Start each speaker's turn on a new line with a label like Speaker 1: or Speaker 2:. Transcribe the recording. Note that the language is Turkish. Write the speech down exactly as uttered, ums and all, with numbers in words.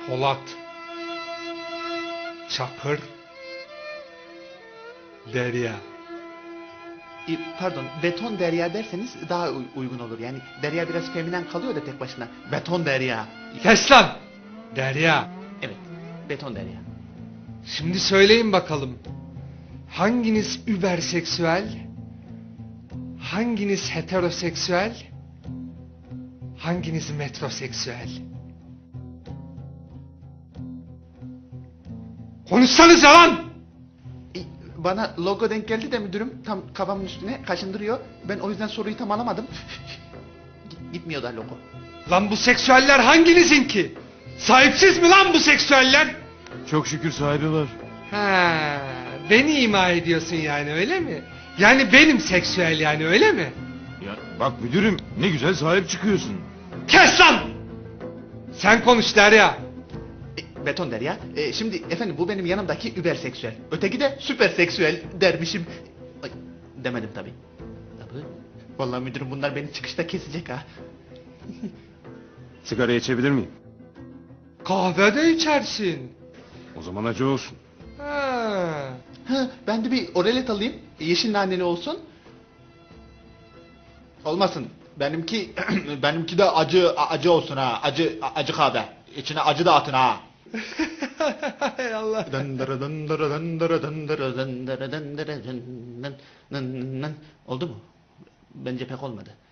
Speaker 1: Polat, Çakır, Derya.
Speaker 2: E, pardon, beton derya derseniz daha uy- uygun olur. Yani derya biraz feminen kalıyor da tek başına. Beton derya.
Speaker 1: Kes lan! Derya.
Speaker 2: Evet, beton derya.
Speaker 1: Şimdi söyleyin bakalım. Hanginiz überseksüel? Hanginiz heteroseksüel? Hanginiz metroseksüel? Konuşsanıza lan!
Speaker 2: E, bana logo denk geldi de müdürüm tam kafamın üstüne kaşındırıyor. Ben o yüzden soruyu tam alamadım. Git- Gitmiyor da logo.
Speaker 1: Lan bu seksüeller hanginizin ki? Sahipsiz mi lan bu seksüeller?
Speaker 3: Çok şükür sahibi var.
Speaker 1: Ha, beni ima ediyorsun yani öyle mi? Yani benim seksüel yani öyle mi?
Speaker 3: Ya bak müdürüm, ne güzel sahip çıkıyorsun.
Speaker 1: Kes lan! Sen konuş Derya.
Speaker 2: E, beton derya. E, şimdi efendim bu benim yanımdaki überseksüel. Öteki de süperseksüel dermişim. Ay, demedim tabii. Tabii. Vallahi müdürüm bunlar beni çıkışta kesecek ha.
Speaker 3: Sigara içebilir miyim?
Speaker 1: Kahve de içersin.
Speaker 3: O zaman acı olsun.
Speaker 1: Ha.
Speaker 2: Ha, ben de bir oralet alayım. Yeşil naneli olsun. Olmasın. Benimki benimki de acı acı olsun ha. Acı acı kahve. İçine acı da atın ha.
Speaker 1: Hay Allah.
Speaker 2: Dındırı dındırı dındırı dındırı dındırı dındırı dın dın dın dın. Oldu mu? Bence pek olmadı.